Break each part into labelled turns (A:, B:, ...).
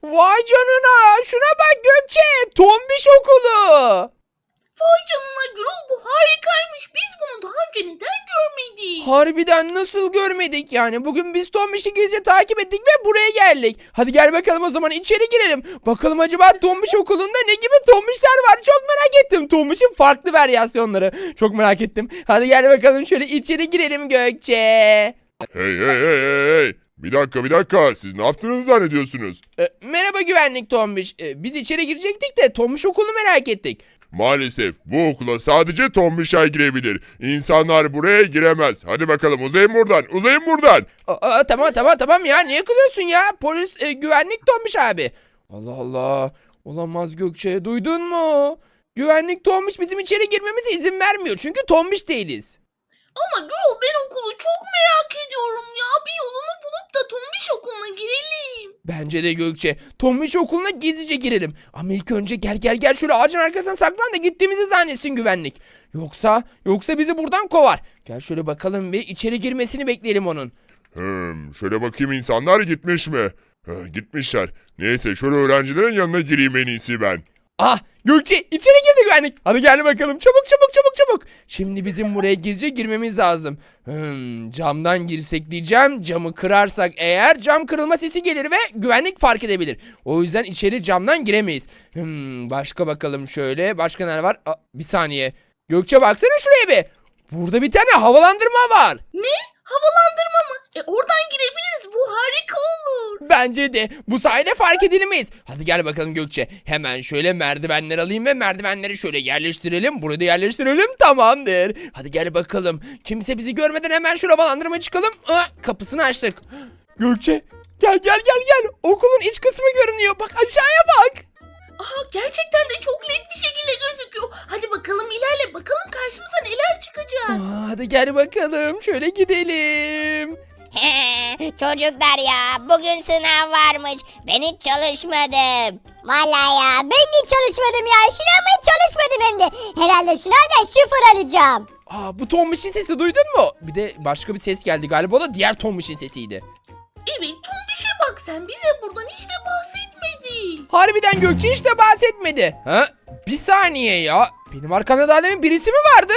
A: Vay canına. Şuna bak Gökçe. Tombiş okulu.
B: Vay canına Gürol, bu harikaymış. Biz bunu daha önce neden görmedik?
A: Harbiden nasıl görmedik yani? Bugün biz Tombiş'i gizlice takip ettik ve buraya geldik. Hadi gel bakalım o zaman içeri girelim. Bakalım acaba Tombiş okulunda ne gibi Tombişler var? Çok merak ettim. Tombiş'in farklı varyasyonları. Çok merak ettim. Hadi gel bakalım şöyle içeri girelim Gökçe.
C: Hey hey hey hey hey. Bir dakika. Siz ne yaptığınızı zannediyorsunuz?
A: Merhaba güvenlik Tombiş. Biz içeri girecektik de Tombiş okulunu merak ettik.
C: Maalesef bu okula sadece tombişler girebilir. İnsanlar buraya giremez. Hadi bakalım uzayın buradan. Uzayın buradan.
A: Tamam ya. Niye kılıyorsun ya? Polis güvenlik Tombiş abi. Allah Allah. Olamaz Gökçe. Duydun mu? Güvenlik Tombiş bizim içeri girmemize izin vermiyor. Çünkü Tombiş değiliz.
B: Ama Gürol, ben okulu çok merak ediyorum ya. Bir yolunu bulup da Tombiş okuluna girelim.
A: Bence de Gökçe. Tombiş okuluna gizlice girelim. Ama ilk önce gel şöyle ağacın arkasına saklan da gittiğimizi zannetsin güvenlik. Yoksa bizi buradan kovar. Gel şöyle bakalım ve içeri girmesini bekleyelim onun.
C: Şöyle bakayım insanlar gitmiş mi? Gitmişler. Neyse şöyle öğrencilerin yanına gireyim en iyisi ben.
A: Ah Gökçe içeri girdi güvenlik. Hadi gel bakalım çabuk. Şimdi bizim buraya gizlice girmemiz lazım. Camdan girsek diyeceğim. Camı kırarsak eğer cam kırılma sesi gelir ve güvenlik fark edebilir. O yüzden içeri camdan giremeyiz. Başka bakalım şöyle. Başka neler var? Bir saniye. Gökçe baksana şuraya bir. Burada bir tane havalandırma var.
B: Ne? Havalandırma mı? Oradan girebiliriz. Bu harika olur.
A: Bence de bu sayede fark edilmeyiz. Hadi gel bakalım Gökçe. Hemen şöyle merdivenler alayım ve merdivenleri şöyle yerleştirelim. Burada yerleştirelim, tamamdır. Hadi gel bakalım. Kimse bizi görmeden hemen şu havalandırmaya çıkalım. Kapısını açtık. Gökçe gel. Okulun iç kısmı görünüyor. Bak aşağıya bak.
B: Aha, gerçekten de çok net bir şekilde gözüküyor. Hadi bakalım ilerle. Bakalım karşımıza neler çıkacak.
A: Hadi gel bakalım. Şöyle gidelim.
D: Çocuklar ya, bugün sınav varmış. Ben hiç çalışmadım. Vallahi ya, ben hiç çalışmadım ya. Sınavma hiç çalışmadım hem de. Herhalde sınavda 0 alacağım.
A: Bu Tombiş'in sesi duydun mu? Bir de başka bir ses geldi galiba, o da diğer Tombiş'in sesiydi.
B: Evet, Tombiş'e bak sen. Bize buradan hiç de bahsetmedi.
A: Harbiden Gökçe hiç de bahsetmedi. Bir saniye ya. Benim arkamda daha demin birisi mi vardı?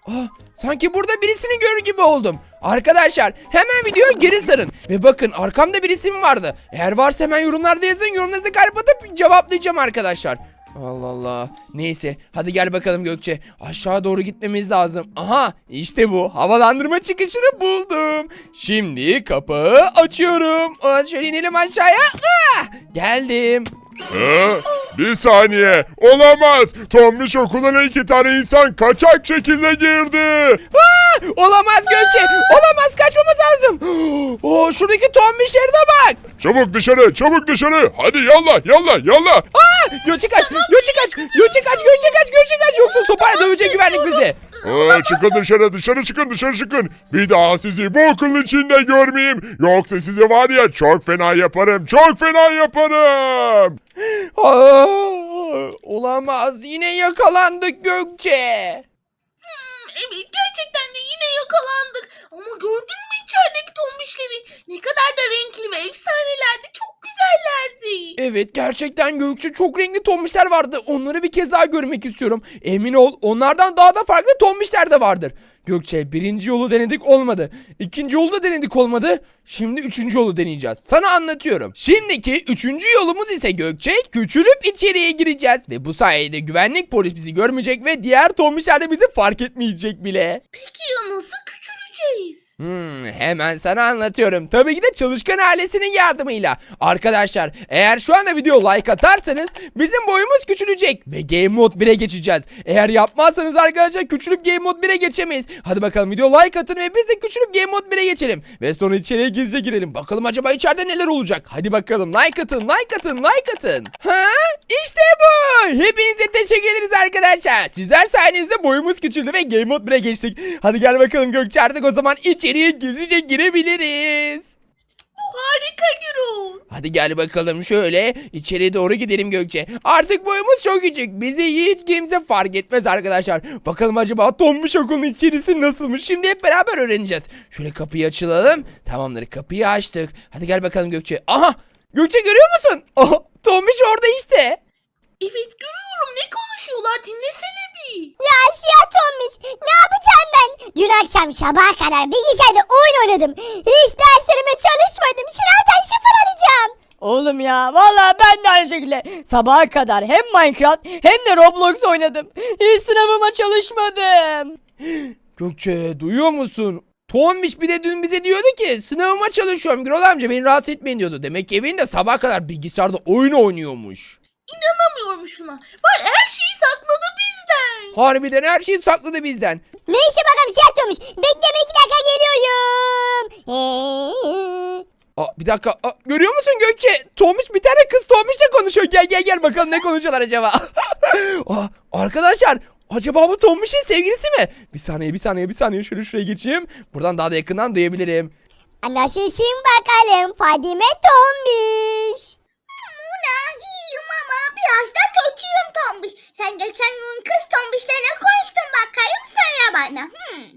A: Sanki burada birisini görür gibi oldum. Arkadaşlar hemen videoya geri sarın. Ve bakın arkamda birisi mi vardı? Eğer varsa hemen yorumlarda yazın. Yorumlarınızı kalp atıp cevaplayacağım arkadaşlar. Allah Allah. Neyse hadi gel bakalım Gökçe. Aşağı doğru gitmemiz lazım. Aha işte bu. Havalandırma çıkışını buldum. Şimdi kapağı açıyorum. Şöyle inelim aşağıya. Geldim.
C: Bir saniye. Olamaz. Tombiş okuluna 2 tane insan kaçak şekilde girdi.
A: Olamaz Gökçe. Olamaz, kaçmamız lazım. Şuradaki Tombiş'lere de bak.
C: Çabuk dışarı. Hadi yallah.
A: Gökçe kaç. Yoksa sopayla dövecek güvenlik bizi.
C: Çıkın dışarı çıkın. Bir daha sizi bu okulun içinde görmeyeyim. Yoksa sizi var ya çok fena yaparım.
A: Olamaz. Yine yakalandık Gökçe.
B: Evet, gerçekten de yine yakalandık. Ama gördün mü içerideki Tombişleri? Ne kadar da renkli ve efsanelerdi. Çok güzellerdi.
A: Evet gerçekten Gökçe, çok renkli Tombişler vardı. Onları bir kez daha görmek istiyorum. Emin ol onlardan daha da farklı Tombişler de vardır. Gökçe, birinci yolu denedik, olmadı. İkinci yolu da denedik, olmadı. Şimdi üçüncü yolu deneyeceğiz. Sana anlatıyorum. Şimdiki üçüncü yolumuz ise Gökçe, küçülüp içeriye gireceğiz. Ve bu sayede güvenlik polis bizi görmeyecek ve diğer Tombişler de bizi fark etmeyecek bile.
B: Peki ya nasıl küçüleceğiz?
A: Hemen sana anlatıyorum. Tabii ki de çalışkan ailesinin yardımıyla. Arkadaşlar eğer şu anda video like atarsanız bizim boyumuz küçülecek ve Game Mode 1'e geçeceğiz. Eğer yapmazsanız arkadaşlar küçülüp Game Mode 1'e geçemeyiz. Hadi bakalım video like atın ve biz de küçülüp Game Mode 1'e geçelim. Ve sonra içeriye gizlice girelim. Bakalım acaba içeride neler olacak. Hadi bakalım like atın. İşte bu. Hepinize teşekkür ederiz arkadaşlar. Sizler sayenizde boyumuz küçüldü ve Game Mode 1'e geçtik. Hadi gel bakalım Gökçe, artık o zaman içeriye gizlice girebiliriz.
B: Bu harika Gürol.
A: Hadi gel bakalım şöyle içeriye doğru gidelim Gökçe. Artık boyumuz çok küçük. Bizi hiç kimse fark etmez arkadaşlar. Bakalım acaba Tombiş okulun içerisi nasılmış? Şimdi hep beraber öğreneceğiz. Şöyle kapıyı açalım. Tamamdır, kapıyı açtık. Hadi gel bakalım Gökçe. Aha! Gökçe görüyor musun? Aha! Tombiş orada işte.
B: Evet görüyorum, ne konuşuyorlar, dinlesene bir.
D: Ya Siyah Tombiş ne yapacağım ben? Dün akşam sabaha kadar bilgisayarda oyun oynadım. Hiç derslerime çalışmadım. Sınavdan 0 alacağım.
E: Oğlum ya vallahi ben de aynı şekilde sabaha kadar hem Minecraft hem de Roblox oynadım. Hiç sınavıma çalışmadım.
A: Gökçe duyuyor musun? Tombiş bir de dün bize diyordu ki sınavıma çalışıyorum Gürol amca beni rahatsız etmeyin diyordu. Demek ki evinde sabah kadar bilgisayarda oyun oynuyormuş.
B: İnanamıyorum şuna. Var her şeyi sakladı bizden.
A: Harbiden her şeyi sakladı bizden.
D: Neyse bakalım Siyah Tombiş. Bekleme 2 dakika geliyorum.
A: Bir dakika. Görüyor musun Gökçe? Tombiş bir tane kız Tombiş'le konuşuyor. Gel bakalım ne konuşuyorlar acaba? Arkadaşlar acaba bu Tombiş'in sevgilisi mi? Bir saniye. Şuraya geçeyim. Buradan daha da yakından duyabilirim.
D: Nasılsın bakalım Fadime Tombiş?
F: Muna iyiyim ama biraz da kötüyüm Tombiş. Sen geçen gün kız Tombiş'lerine konuştun bakayım söyle bana.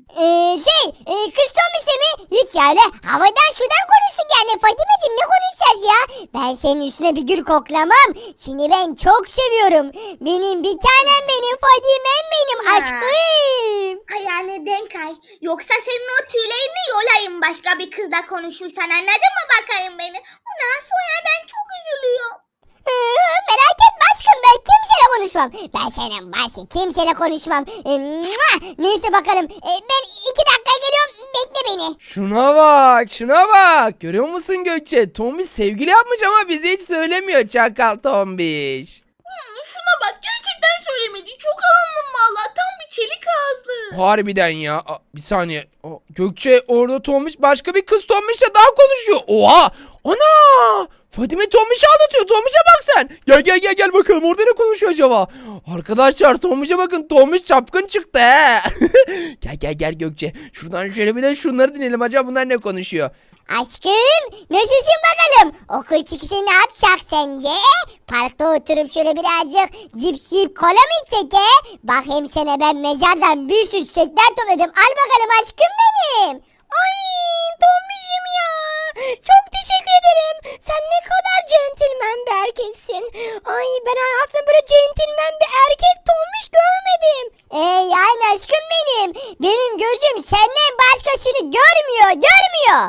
D: Kız Tombiş'le mi? Hiç ya öyle havadan sudan konuştuk yani Fadime'cim ne konuşacağız ya? Ben senin üstüne bir gül koklamam. Seni ben çok seviyorum. Benim bir tanem benim Fadime'm benim
F: Ya.
D: aşkım.
F: Ayağını denk ay. Yoksa senin o tüylerini yolayım başka bir kızla konuşursan anladın mı bakayım beni? Ondan sonra ben çok üzülüyorum.
D: Merak etme aşkım ben kimseyle konuşmam. Ben senin başka kimseyle konuşmam. Neyse bakalım. Ben 2 dakika geliyorum. Bekle beni.
A: Şuna bak. Görüyor musun Gökçe? Tombiş sevgili yapmış ama bize hiç söylemiyor çakal Tombiş.
B: Şuna bak, gerçekten söylemedi. Çok alındım valla. Tam bir çelik ağızlı.
A: Harbiden ya. Bir saniye. Gökçe orada Tombiş başka bir kız Tombiş'le daha konuşuyor. Oha! Ana! Fadime Tombiş'i aldatıyor. Tombiş'e bak sen. Gel bakalım orada ne konuşuyor acaba? Arkadaşlar Tombiş'e bakın. Tombiş çapkın çıktı he. Gel Gökçe. Şuradan şöyle bir de şunları dinleyelim. Acaba bunlar ne konuşuyor?
D: Aşkım nasılsın bakalım? Okul çıkışı ne yapacak sence? Parkta oturup şöyle birazcık cips yiyip kola mı içsek he? Bak hem sana ben mezardan bir sürü çiçekler topladım. Al bakalım aşkım benim. Ay Tombiş'im ya. Çok teşekkür ederim. Sen ne kadar centilmen bir erkeksin. Ay ben hayatımda böyle centilmen bir erkek Tombiş görmedim. Yani aşkım benim. Benim gözüm senden başkasını görmüyor.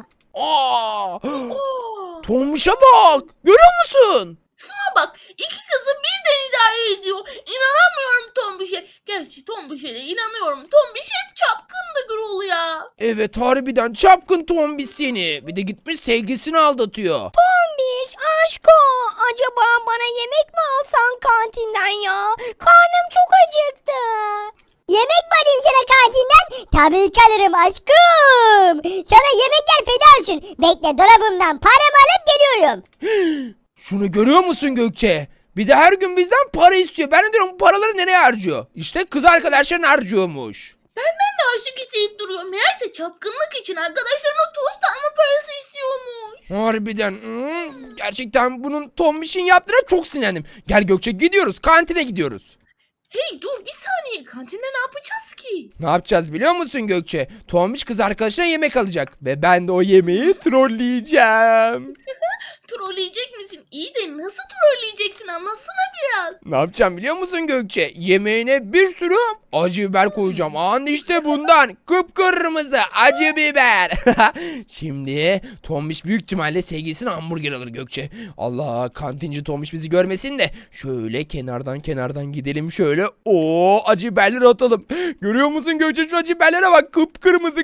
A: Tombiş'e bak. Görüyor musun?
B: Şuna bak, iki kızı birden idare ediyor. İnanamıyorum Tombiş'e. Gerçi Tombiş'e de inanıyorum. Tombiş hep çapkındı Gürol ya.
A: Evet harbiden çapkın Tombiş seni. Bir de gitmiş sevgilisini aldatıyor.
D: Tombiş aşko acaba bana yemek mi alsan kantinden ya? Karnım çok acıktı. Yemek mi alayım sana kantinden? Tabii ki alırım aşkım. Sana yemekler feda olsun. Bekle dolabımdan paramı alıp geliyorum.
A: Şunu görüyor musun Gökçe? Bir de her gün bizden para istiyor. Ben de diyorum bu paraları nereye harcıyor? İşte kız arkadaşların harcıyormuş.
B: Benden de aşık isteyip duruyor. Meğerse çapkınlık için arkadaşlarına tost alma parası istiyormuş.
A: Harbiden. Gerçekten bunun Tombiş'in yaptığına çok sinirlendim. Gel Gökçe gidiyoruz. Kantine gidiyoruz.
B: Hey dur bir saniye, kantinde ne yapacağız ki?
A: Ne yapacağız biliyor musun Gökçe? Tombiş kız arkadaşına yemek alacak. Ve ben de o yemeği trolleyeceğim.
B: Trolleyecek misin? İyi de nasıl trolleyeceksin, anlatsana biraz.
A: Ne yapacağım biliyor musun Gökçe? Yemeğine bir sürü acı biber koyacağım. İşte bundan kıpkırmızı acı biber. Şimdi Tombiş büyük ihtimalle sevgilisine hamburger alır Gökçe. Allah, kantinci Tombiş bizi görmesin de şöyle kenardan gidelim şöyle. Acı biberleri atalım. Görüyor musun Gökçe, şu acı biberlere bak, kıpkırmızı.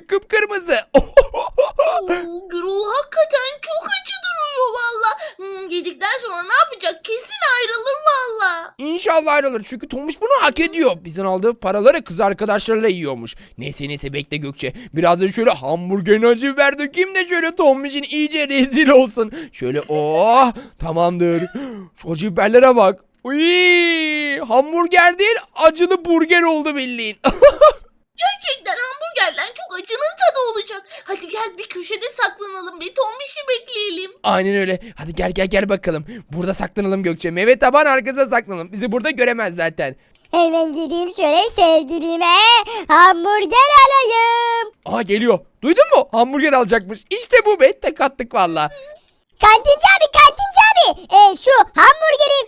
B: Gürol hakikaten çok acı duruyor valla. Yedikten sonra ne yapacak? Kesin ayrılır valla.
A: İnşallah ayrılır çünkü Tombiş bunu hak ediyor. Bizden aldığı paraları kız arkadaşlarıyla yiyormuş. Neyse bekle Gökçe. Biraz da şöyle hamburgerin acı biber dökeyim de şöyle Tombiş'in iyice rezil olsun. Şöyle tamamdır. Şu acı biberlere bak. Hamburger değil acılı burger oldu bildiğin.
B: Gerçekten hamburgerden çok acının tadı olacak. Hadi gel bir köşede saklanalım ve Tombiş'i bekleyelim.
A: Aynen öyle. Hadi gel bakalım. Burada saklanalım Gökçe. Meyve taban arkasına saklanalım. Bizi burada göremez zaten.
D: Hemen gideyim şöyle sevgilime hamburger alayım.
A: Geliyor. Duydun mu? Hamburger alacakmış. İşte bu be. Tek attık valla.
D: Kantinci abi şu hamburgerin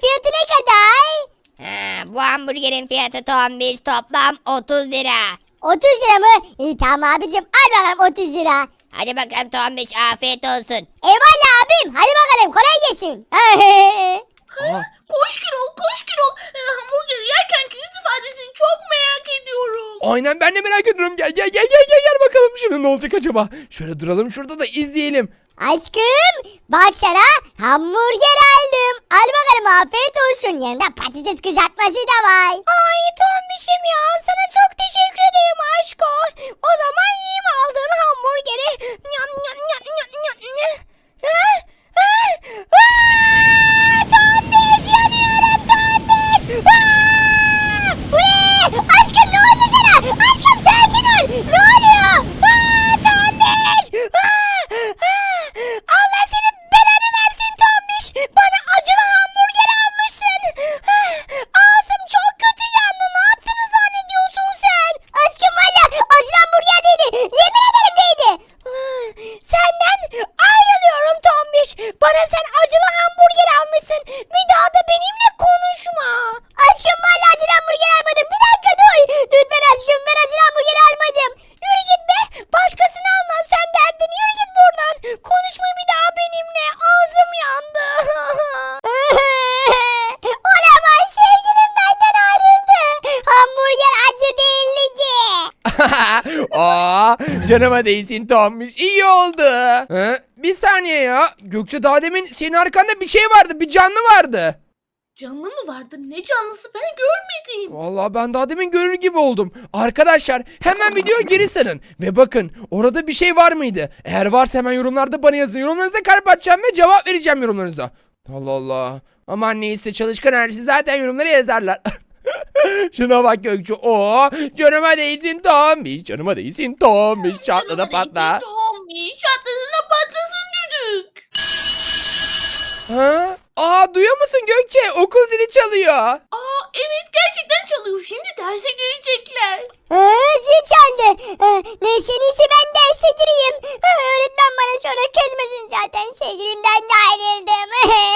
D: Bu hamburgerin fiyatı Tombiş toplam 30 lira. 30 lira mı? İyi tamam abicim al bakalım 30 lira. Hadi bakalım Tombiş afiyet olsun. Eyvallah abim hadi bakalım kolay gelsin.
A: Aa,
B: Koş Gürol, koş Gürol. Hamburgeri yerkenki yüz ifadesini çok merak ediyorum.
A: aynen ben de merak ediyorum. Gel bakalım şunun ne olacak acaba. Şöyle duralım şurada da izleyelim.
D: Aşkım bak sana hamburger aldım. Al bakalım afiyet olsun. Yanında patates kızartması da var. Ay Tombiş'im ya sana çok teşekkür ederim aşko. O zaman yiyeyim aldığın hamburgeri. Nyam nyam nyam nyam nyam nyam. Tombiş yanıyorum Tombiş. Bu ne? Aşkım ne oldu sana? Aşkım sakin ol. Ne oluyor? Tombiş. Allah senin belanı versin Tombiş. Bana acılı hamburger almışsın. Ağzım çok kötü yandı. Ne yaptığını zannediyorsun sen? Aşkım valla acılı hamburger değildi. Yemin ederim değildi. Senden ayrılıyorum Tombiş. Bana sen acılı hamburger almışsın. Bir daha da benimle konuşma. Aşkım valla acılı hamburger almadım. Bir dakika dur. Lütfen aşkım ben acılı hamburger almadım. Yürü git be. Başkasını almaz sen derdin. Yürü git buradan. Konuşma bir daha benimle. Ağzım yandı. Olamaz sevgilim benden ayrıldı. Hamburger acı değildi ki.
A: Aa, canıma değsin Tombiş. İyi oldu. Bir saniye ya. Gökçe daha demin senin arkanda bir şey vardı. Bir canlı vardı.
B: Canlı mı vardı? Ne canlısı ben görmedim.
A: Vallahi ben daha demin görür gibi oldum. Arkadaşlar hemen videoyu geri sarın. Ve bakın orada bir şey var mıydı? Eğer varsa hemen yorumlarda bana yazın. Yorumlarınıza kalp atacağım ve cevap vereceğim yorumlarınıza. Allah Allah. Aman neyse çalışkan ailesi zaten yorumlara yazarlar. Şuna bak Gökçe. Oo, canıma değsin Tombiş. Canıma değsin Tombiş. Çatla da patla.
B: Tombiş çatlasın da patlasın düdük.
A: Ha? Aa, duyuyor musun Gökçe? Okul zili çalıyor.
B: Aa evet gerçekten çalıyor. Şimdi derse girecekler.
D: Zil çaldı. Neyse ben derse gireyim. Öğretmen bana sonra kızmasın zaten. Sevgilimden de ayrıldım.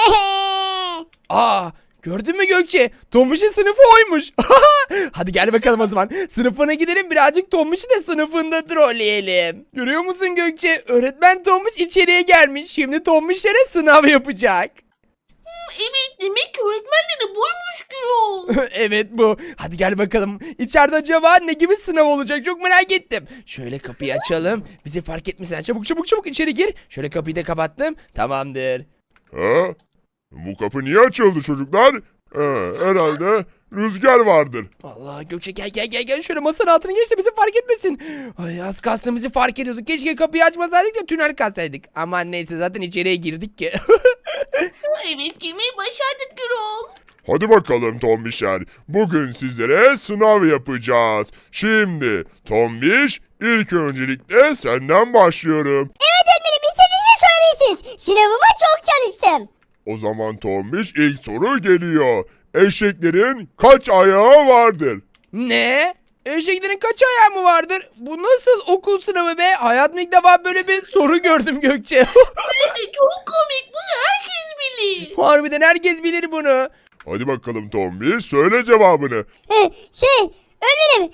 A: Aa, gördün mü Gökçe? Tombiş'in sınıfı oymuş. Hadi gel bakalım o zaman. Sınıfına gidelim birazcık Tombiş'i de sınıfında trolleyelim. Görüyor musun Gökçe? Öğretmen Tombiş içeriye gelmiş. Şimdi Tombiş'lere sınav yapacak.
B: Evet demek ki öğretmenleri buymuş Gürol.
A: Evet bu. Hadi gel bakalım. İçeride acaba ne gibi sınav olacak? Çok merak ettim. Şöyle kapıyı açalım. Bizi fark etmesinler. Çabuk içeri gir. Şöyle kapıyı da kapattım. Tamamdır.
C: Ha? Bu kapı niye açıldı çocuklar? Herhalde rüzgar vardır.
A: Allah Gökçe gel. Şöyle masanın altına geç de bizi fark etmesin. Ay az kalsın bizi fark ediyorduk. Keşke kapıyı açmasaydık da tünel kazsaydık. Aman neyse zaten içeriye girdik ki.
B: Evet girmeyi başardık Gürol.
C: Hadi bakalım Tombişler. Bugün sizlere sınav yapacağız. Şimdi Tombiş ilk öncelikle senden başlıyorum.
D: Evet öğretmenim istediğinizi sorabilirsiniz. Sınavıma çok çalıştım.
C: O zaman Tombiş ilk soru geliyor. Eşeklerin kaç ayağı vardır?
A: Ne? Eşeklerin kaç ayağı mı vardır? Bu nasıl okul sınavı be? Hayatımda ilk defa böyle bir soru gördüm Gökçe.
B: Evet çok komik. Bunu herkes bilir.
A: Harbiden herkes bilir bunu.
C: Hadi bakalım Tombiş söyle cevabını.
D: Öğretmenim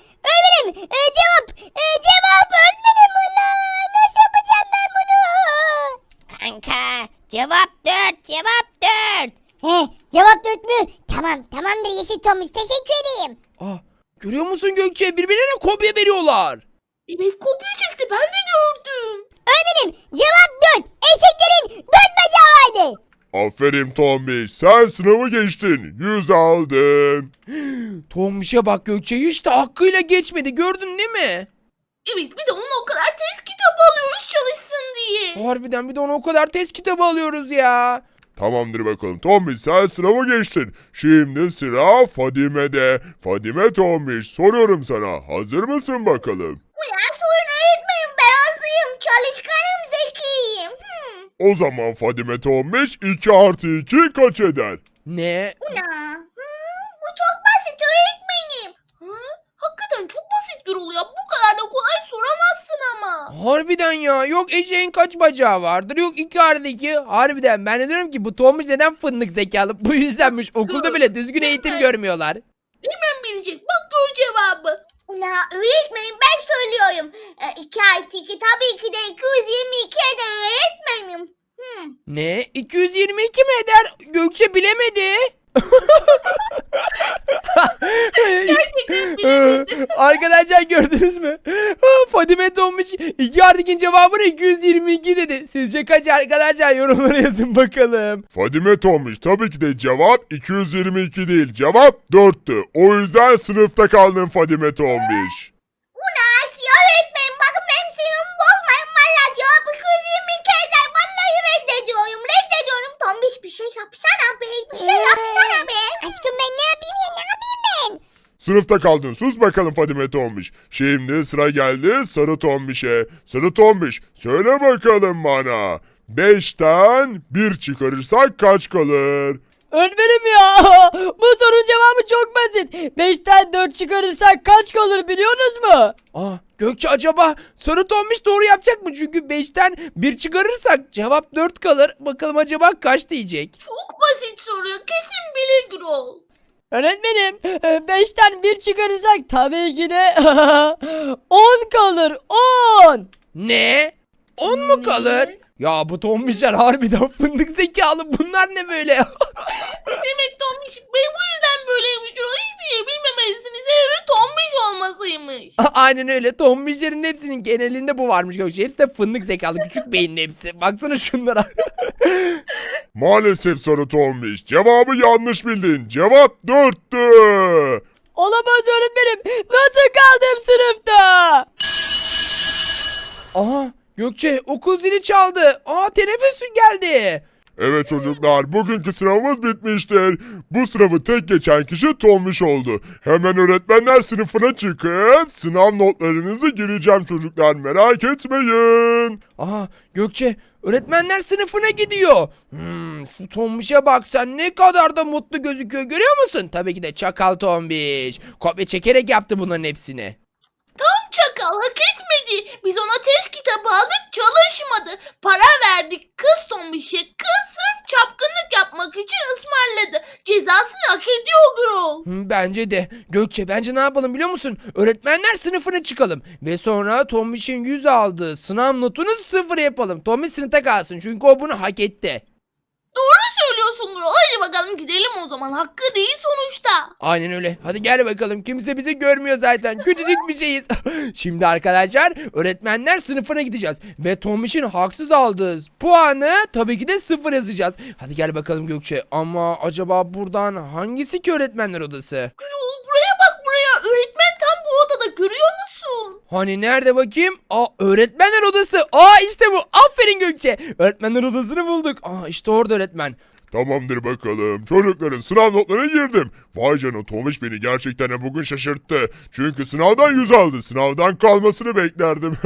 D: cevap öğretmenim ulan. Nasıl yapacağım ben bunu? Kanka cevap 4. Cevap 4 mü? Tamamdır Yeşil Tomuş teşekkür edeyim.
A: Ah, görüyor musun Gökçe? Birbirlerine kopya veriyorlar.
B: Evet kopya çekti ben de gördüm.
D: Öğretmenim cevap 4. Eşeklerin 4 bacağı vardı.
C: Aferin Tombiş sen sınavı geçtin. 100 aldın.
A: Tombiş'e bak Gökçe hiç de hakkıyla geçmedi. Gördün değil mi?
B: Evet bir de ona o kadar test kitabı alıyoruz çalışsın diye.
A: Harbiden bir de ona o kadar test kitabı alıyoruz ya.
C: Tamamdır bakalım Tombiş sen sınavı geçtin. Şimdi sıra Fadime'de. Fadime Tombiş soruyorum sana. Hazır mısın bakalım?
F: Ulan sorun öğretmenim ben hazırım. Çalışkanım zekiyim.
C: O zaman Fadime Tombiş 2 artı 2 kaç eder?
A: Ne?
F: Bu çok basit öğretmenim.
B: Hakikaten çok basit Gürol ya. Bu kadar da kolay soramazsın ama.
A: Harbiden ya. Yok eşeğin kaç bacağı vardır? Yok 2 artı 2. Harbiden ben de diyorum ki bu Tombiş neden fındık zekalı? Bu yüzdenmiş. Okulda bile düzgün eğitim görmüyorlar.
B: bilecek. Bak gör cevabı.
F: Ula öğretmenim ben söylüyorum. 2 artı 2 tabii ki de 222 eder öğretmenim.
A: Ne? 222 mi eder? Gökçe bilemedi. Arkadaşlar gördünüz mü? Fadime Tombiş 2 artı 2'nin cevabını 222 dedi. Sizce kaç arkadaşlar? Yorumlara yazın bakalım.
C: Fadime Tombiş tabii ki de cevap 222 değil. Cevap 4'tü. O yüzden sınıfta kaldın Fadime Tombiş.
F: Ula Asiye öğretmenim bakın benim sinirimi bozmayın. Valla cevabı 222 eder. Vallahi reddediyorum. Reddediyorum. Tombiş bir şey yapsana be. Bir şey yapsana be.
D: Aşkım ben ne yapayım ya, ne yapayım ben?
C: Sınıfta kaldın. Sus bakalım Fadime Tombiş. Şimdi sıra geldi Sarı Tombiş'e. Sarı Tombiş söyle bakalım bana. 5'ten 1 çıkarırsak kaç kalır?
E: Öğretmenim ya bu sorunun cevabı çok basit. 5'ten 4 çıkarırsak kaç kalır biliyorsunuz mu?
A: Gökçe acaba Sarı Tombiş doğru yapacak mı? Çünkü 5'ten 1 çıkarırsak cevap 4 kalır. Bakalım acaba kaç diyecek?
B: Çok basit soru. Kesin bilir Gürol.
E: Öğretmenim 5'ten 1 çıkarırsak tabii ki de 10 kalır 10.
A: Ne? 10 mu kalır? Ya bu Tombişler harbiden fındık zekalı. Bunlar ne böyle?
B: Demek Tombiş bu yüzden böyleymiş Gürol. Hiçbir şey bilmemelisiniz. Sebebi Tombiş olmasıymış.
A: Aynen öyle. Tombişlerin hepsinin genelinde bu varmış Gökçe. Hepsi de fındık zekalı. Küçük beyinli hepsi. Baksana şunlara.
C: Maalesef Sarı Tombiş. Cevabı yanlış bildin. Cevap 4'tü.
E: Olamaz öğretmenim. Nasıl kaldım sınıfta?
A: Aha Gökçe okul zili çaldı. Teneffüs geldi.
C: Evet çocuklar, bugünkü sınavımız bitmiştir. Bu sınavı tek geçen kişi Tombiş oldu. Hemen öğretmenler sınıfına çıkıp sınav notlarınızı gireceğim çocuklar, merak etmeyin.
A: Gökçe öğretmenler sınıfına gidiyor. Şu Tombiş'e bak sen ne kadar da mutlu gözüküyor görüyor musun? Tabii ki de çakal Tombiş. Kopya çekerek yaptı bunların hepsini.
B: Tam çakal hak etmedi. Biz ona test kitabı aldık çalışmadı. Para verdik kız Tombiş'e. Kız sırf çapkınlık yapmak için ısmarladı. Cezasını hak ediyor Gürol.
A: Bence de. Gökçe bence ne yapalım biliyor musun? Öğretmenler sınıfına çıkalım. Ve sonra Tombiş'in 100 aldığı sınav notunu 0 yapalım. Tombiş sınıfta kalsın çünkü o bunu hak etti.
B: Doğru söylüyorsun Gürol. Hadi bakalım gidelim o zaman. Hakkı değil sonuçta.
A: Aynen öyle. Hadi gel bakalım. Kimse bizi görmüyor zaten. Küçücük bir şeyiz. Şimdi arkadaşlar öğretmenler sınıfına gideceğiz. Ve Tombiş'in haksız aldığı puanı tabii ki de 0 yazacağız. Hadi gel bakalım Gökçe. Ama acaba buradan hangisi ki öğretmenler odası?
B: Gürol buraya bak buraya. Öğretmen tam bu odada görüyor musun?
A: Hani nerede bakayım? Öğretmenler odası. İşte bu. Aferin Gökçe. Öğretmenler odasını bulduk. İşte orada öğretmen.
C: Tamamdır bakalım. Çocukların sınav notlarına girdim. Vay canına Tombiş beni gerçekten de bugün şaşırttı. Çünkü sınavdan 100 aldı. Sınavdan kalmasını beklerdim.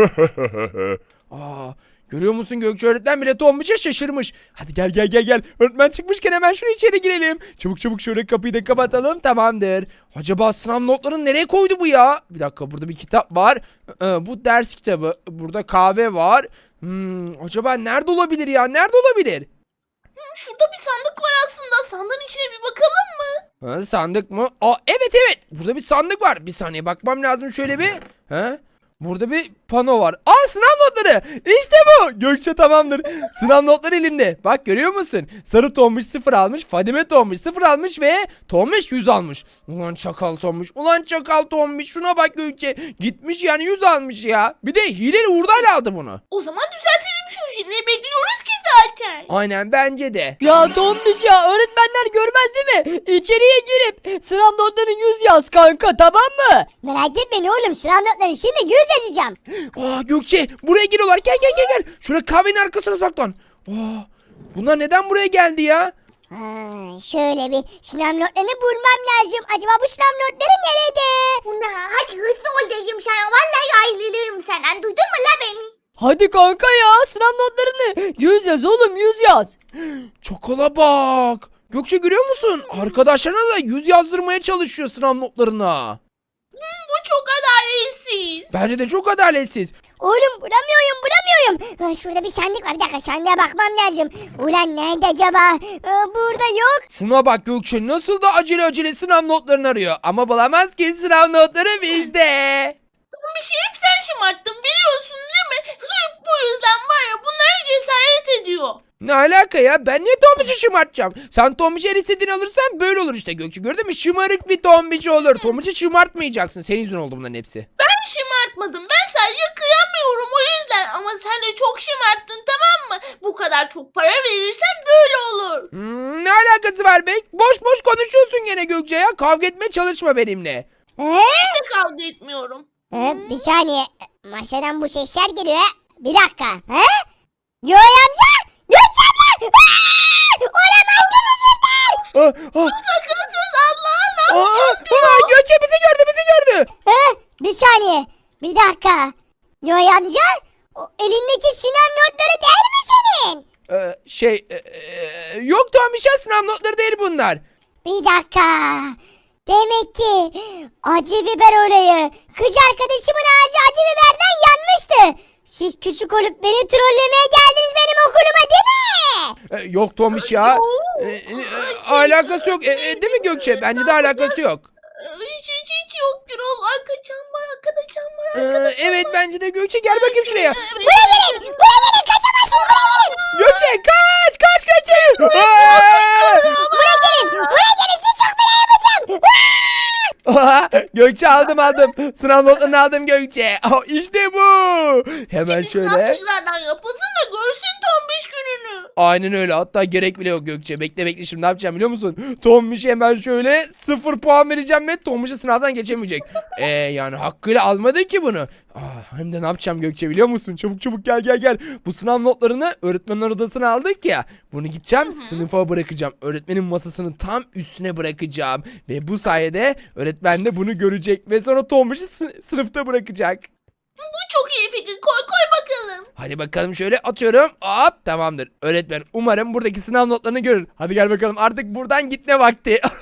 A: Görüyor musun Gökçe öğretmen bile Tombiş'e şaşırmış. Hadi gel. Öğretmen çıkmışken hemen şunu içeri girelim. Çabuk şöyle kapıyı da kapatalım tamamdır. Acaba sınav notlarını nereye koydu bu ya? Bir dakika burada bir kitap var. Bu ders kitabı. Burada kahve var. Acaba nerede olabilir ya? Nerede olabilir?
B: Şurada bir sandık var aslında. Sandığın içine bir bakalım mı?
A: Sandık mı? Evet. Burada bir sandık var. Bir saniye bakmam lazım şöyle bir. Burada bir pano var. Sınav notları. İşte bu. Gökçe tamamdır. Sınav notları elimde. Bak görüyor musun? Sarı Tombiş 0 almış. Fadime Tombiş 0 almış ve Tombiş 100 almış. Ulan çakal Tombiş. Şuna bak Gökçe. Gitmiş yani 100 almış ya. Bir de hileli hurdayla aldı bunu.
B: O zaman düzeltelim şu işi. Ne bekliyoruz ki zaten?
A: Aynen bence de.
E: Ya Tombiş ya öğretmenler görmez değil mi? İçeriye girip sınav notlarını 100 yaz kanka tamam mı?
D: Merak etmeyin oğlum, sınav notları şimdi 100 yazacağım.
A: Gökçe buraya geliyorlar. Gel. Şuraya kahvenin arkasına saklan. Bunlar neden buraya geldi ya?
D: Şöyle bir sınav notlarını bulmam lazım. Acaba bu sınav notları nerede?
F: Ula hadi hızlı ol dedim sana. Vallahi ayrılırım senden. Duydun mu la beni?
E: Hadi kanka ya sınav notlarını 100 yaz oğlum 100 yaz.
A: Çakala bak. Gökçe görüyor musun? Arkadaşlarına da 100 yazdırmaya çalışıyor sınav notlarına.
B: Bu çok adaletsiz.
A: Bence de çok adaletsiz.
D: Oğlum bulamıyorum. Şurada bir sandık var. Bir dakika sandığa bakmam lazım. Ulan nerede acaba? Burada yok.
A: Şuna bak Gökçe nasıl da acele sınav notlarını arıyor. Ama bulamaz ki sınav notları bizde.
B: Bir şey hep sen şımarttın biliyorsun değil mi? Sırf bu yüzden var ya bunlara cesaret ediyor.
A: Ne alaka ya? Ben niye Tombiş'i şımartacağım? Sen Tombiş'i her istediğini alırsan böyle olur işte Gökçe. Gördün mü? Şımarık bir Tombiş olur. Tombiş'i şımartmayacaksın. Senin yüzünden oldu bunların hepsi.
B: Ben şımartmadım. Ben sadece kıyamıyorum o yüzden. Ama sen de çok şımarttın tamam mı? Bu kadar çok para verirsen böyle olur.
A: Ne alakası var be? Boş boş konuşuyorsun gene Gökçe ya. Kavga etmeye çalışma benimle.
B: Hiç de kavga etmiyorum.
D: Bir saniye. Maşadan bu sesler geliyor. Bir dakika. Göğe amca. Gökçe abla. Olamaz gözücükler.
B: Sakınsız Allah'a ne yapacağız?
A: Gökçe bizi gördü.
D: Bir saniye. Bir dakika. Göğe amca. O elindeki sınav notları değil mi senin?
A: Yok Tombiş ya sınav notları değil bunlar.
D: Bir dakika. Demek ki acı biber olayı. Kız arkadaşımın ağacı acı biberden yanmıştı. Siz küçük olup beni trollemeye geldiniz benim okuluma değil mi?
A: Yok Tombiş ya. Alakası yok. Değil mi Gökçe? Bence de alakası yok.
B: Hiç yok Gürol. Arkadaşım var.
A: Evet bence de Gökçe gel bakayım şuraya.
D: Buraya gelin kaçamazsınız buraya gelin.
A: Gökçe kaç Gökçe.
D: Buraya gelin sizi çok fena yapacağım.
A: Gökçe aldım. Sınav notlarını aldım Gökçe. İşte bu. Hemen
B: Sınav
A: şöyle.
B: tekrardan yapılsın da görsün tombiş gününü.
A: Aynen öyle. Hatta gerek bile yok Gökçe. Bekle şimdi ne yapacağım biliyor musun? Tombiş'e hemen şöyle 0 puan vereceğim ve Tombiş'e sınavdan geçemeyecek. Yani hakkıyla almadı ki bunu. Hem de ne yapacağım Gökçe biliyor musun? Çabuk gel. Bu sınav notlarını öğretmenler odasına aldık ya. Bunu gideceğim sınıfa bırakacağım. Öğretmenin masasının tam üstüne bırakacağım. Ve bu sayede öğretmen de bunu görecek. Ve sonra Tombiş'i sınıfta bırakacak.
B: Bu çok iyi fikir. Koy bakalım.
A: Hadi bakalım şöyle atıyorum. Hop tamamdır. Öğretmen umarım buradaki sınav notlarını görür. Hadi gel bakalım artık buradan gitme vakti.